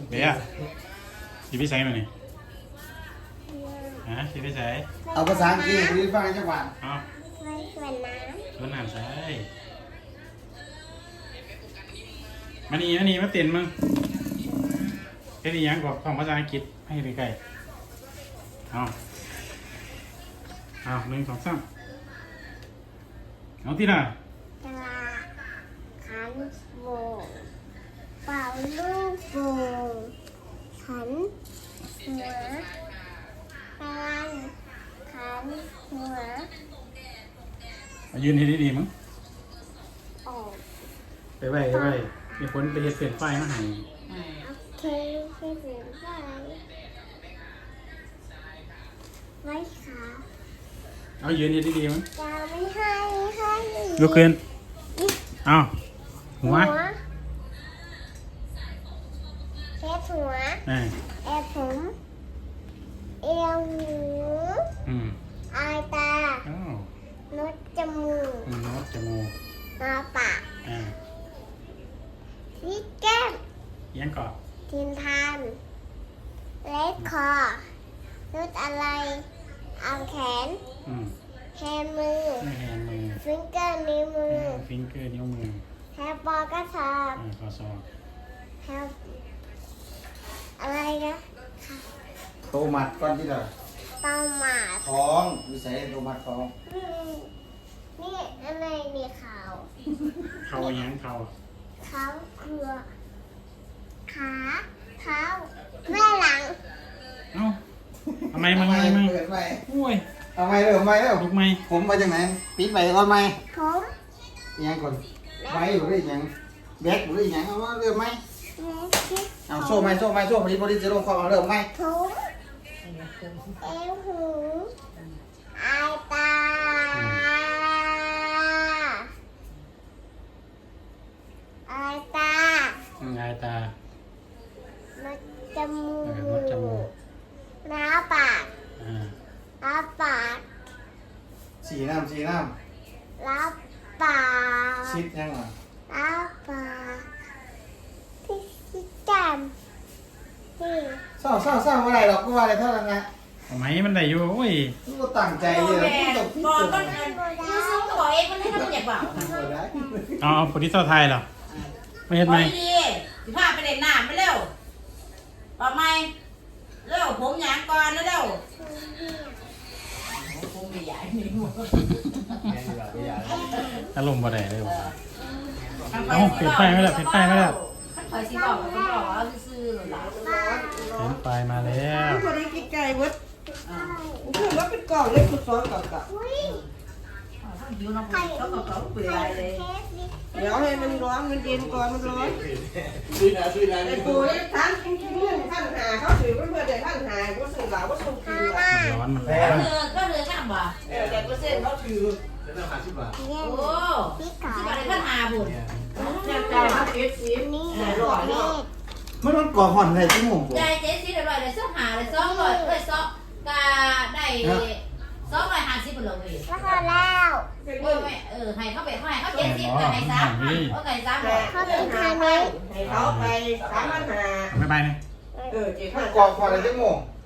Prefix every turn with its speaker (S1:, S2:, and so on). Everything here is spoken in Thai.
S1: เบียร์สิพี่ใส่มานี่ฮะสิพี่ใส่
S2: เอาภาษาอังกฤษหรือฟังจังหวัด
S1: เอา
S3: ไว้สวนน้
S1: สวนน้ำใส่มานี่มาเต้นมึงแค่นี้ยังบอกของภาษาอังกฤษให้ใกล้ๆเอา1 2 3เอาที่น่ะ
S3: ำจะลาขันโบกเป่าลูกโบกขันหัวกลันขันหัว
S1: ยืนให้ดีๆมึง
S3: ออก
S1: ไปไว้มีคนไปเฮ็ดเปลี่ยนไฟมาให้
S3: โอเคไปถึงไฟไว้ขา
S1: เอายืนให้ดีๆมึง
S3: จะไม่ให้
S1: ลุกขึ้นเอาหัว
S3: เช็ดหัว
S1: อ่า
S3: แอบผมเอวหู อายตา
S1: อ้าว
S3: นุดจมูก
S1: โน้ตจมูก
S3: มาปาก
S1: อ่า
S3: ที่แก้ม
S1: ยังก่อน
S3: ทินทานเล็ดคอนุดอะไรเอาแขน แฮนมือ
S1: ไม่แฮนมือ
S3: ฟิงเกอร์นิ้วมือ
S1: ฟิงเกอร์นิ้วมือ
S3: แฮปปอกระสอบ
S1: ข้อศอก
S3: แฮปอะไรนะ
S2: โตมัดก่อนที่เรา
S3: เต้าหมาด
S2: ท้องวิสัยโตมัดท้อง
S3: อืมนี่อะไรมีขาว
S1: เข่ายังเข่า
S3: เท้าเครือขาเท้าแม่หลัง
S1: เอ้าทำไมมึง
S2: เปิดไป
S1: โอ้ย
S2: เอาไมเริ่มไม่แล้ว
S1: ลุกไหม
S2: ผมมาจากไหนปิดไปก่อนไหม
S3: ผม
S2: ยังก่อนไว้อยู่หรือยังแบกอยู่หรือยังเอาเริ่มไหมเอาโซ่ไหมโซ่พอดีจะลงคอเอาเริ่มไหม
S3: ผมเอวหูอายตาอายตา
S1: งายตา
S3: นัดจมู
S1: มดจมูก
S3: กน้าปาก
S1: อ่า
S3: น้าปาก
S2: สีน้
S3: น้าปาก
S2: ำชิดยังอ่ะ
S3: น้าปากที่แก้มนี่
S2: เศร้าอะไรหรอกก็ว่าอะไรเท่านั้นนะ
S1: ทำไมมันได้อยู่โอ้ย
S2: ก็ตั้งใจเลยต้องพิ
S4: บอก
S2: จาร
S4: ต้น
S2: ณา
S4: มือซื้อตัวเองมันให้มันอยากเปล่า
S1: เอาโปรดิวเซอร์ไทยเหรอไม่เห็นไหม
S4: ดีสิพาไปเล่นน้ำไปเร็วต่อไหมเร็วผมหยางก่อนเร็วผมไม่ใหญ่นี่หมด
S1: อารมณ์บ่ได้เลยว่ะ เอาปิดไฟไว้แล้วปิดไฟไว้แล้ว
S4: คอยสิบอกก็บอกว่าซื้อหลัง
S1: เห็นไฟมาแล้ว
S5: พอได้กินไก่เบิดคือว่าเป็นกล่องเล็กสุดซ้อนกับกับ
S3: อุ้ย
S4: หิวน้ำผึ้งเขาเปลือยเลย
S3: เทสดิ
S5: เดี๋ยวให้มันร้อนมันเย็นก่อนมันร้อน
S2: ซื้อนะ
S5: ไอ้ปูนี่ท่านเงินท่านหาเขาถือเพื่อนเดี๋ยวท่านหาก็สื่อหลาว่าส่งกิน
S1: มันร้อนมันร้อน
S4: ก็เลยข้ามบ่
S5: เดี๋ยวเปอร์เซ็นต์เขาถือ
S2: จะต้องหา10 บาท
S3: เยี่ย
S4: โอ้
S3: มพี่ขา
S4: ที่บ้านในพันหาบุญ
S5: เนี่ยจ่ายมาเอฟซี
S3: นี่
S5: หา
S3: ป
S5: ร้อ
S3: ระ
S5: ย
S3: เท
S5: เนาะ
S3: ศ
S2: มันก่อห่อนในชั่วโมงผม
S4: ใจเจ๊สิเดี๋ยวเลยเลย2หาเลย200เลย2กาได้250เป็นเลย
S3: แล้วก็แล้ว
S4: ให้เขาไปให้เขา70กับให้3เอาไก่3เลย
S3: เขาเป็นทางนี้
S5: ให้เขาไป3,500
S1: ไม่ไปเนี่ย
S5: เจ็ด
S2: มัน
S5: พัน
S2: ก่อห่อนในชั่วโมง